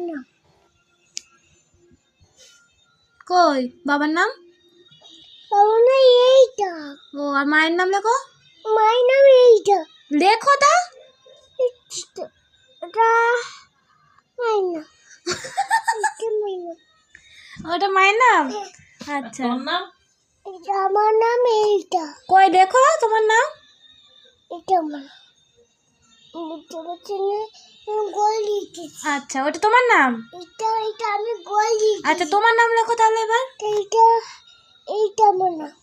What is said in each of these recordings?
নাম। কই বাবার নাম? বাবার নাম এইটা। ও আর মায়ের নাম লেখো। মায়ের নাম এইটা। লেখো তা। এটা মায়ের নাম। এটা মায়ের নাম। ওটা মায়ের নাম। আচ্ছা এটা আমার নাম এইটা। কই দেখো তোমার নাম। এটা আমার নাম। গোল দিয়েছি। আচ্ছা ওটা তোমার নাম। এটা আমি গোল দিয়েছি। আচ্ছা তোমার নাম লেখো তাহলে এবার। এইটা আমার নাম।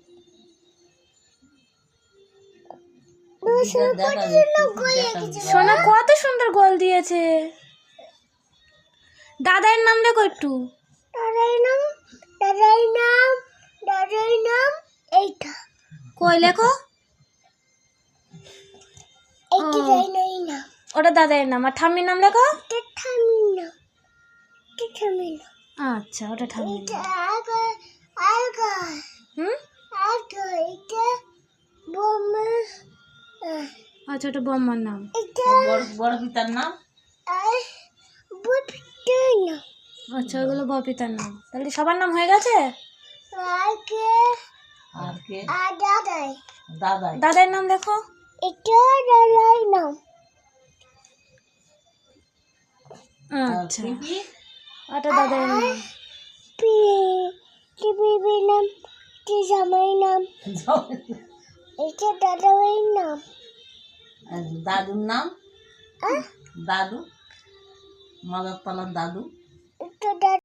সোনা কত সুন্দর গোল দিয়েছে। দাদার নাম লেখো একটু। দাদার নাম এইটা। কই লেখো। এইটা দাদার নাম। ওটা দাদার নাম। আর ঠাম্মির নাম লেখো। এটা ঠাম্মির নাম। এটা ঠাম্মির নাম। আচ্ছা ওটা ঠাম্মির নাম। হুম এটা বম্মা। আচ্ছা ওটা বম্মার নাম। এটা বড় পিতার নাম। বড় পিতার নাম। আচ্ছা ওইগুলো বপিতার নাম। তাহলে সবার নাম হয়ে গেছে। আর কে? দাদাই। দাদাই। দাদার নাম লেখো। এটা দাদার নাম। আচ্ছা পিপি। ওটা দাদার নাম। বিবির নাম। এটা জামাই নাম। এটা দাদার নাম। দাদুর নাম। দাদু মাদার তলার দাদু। এটা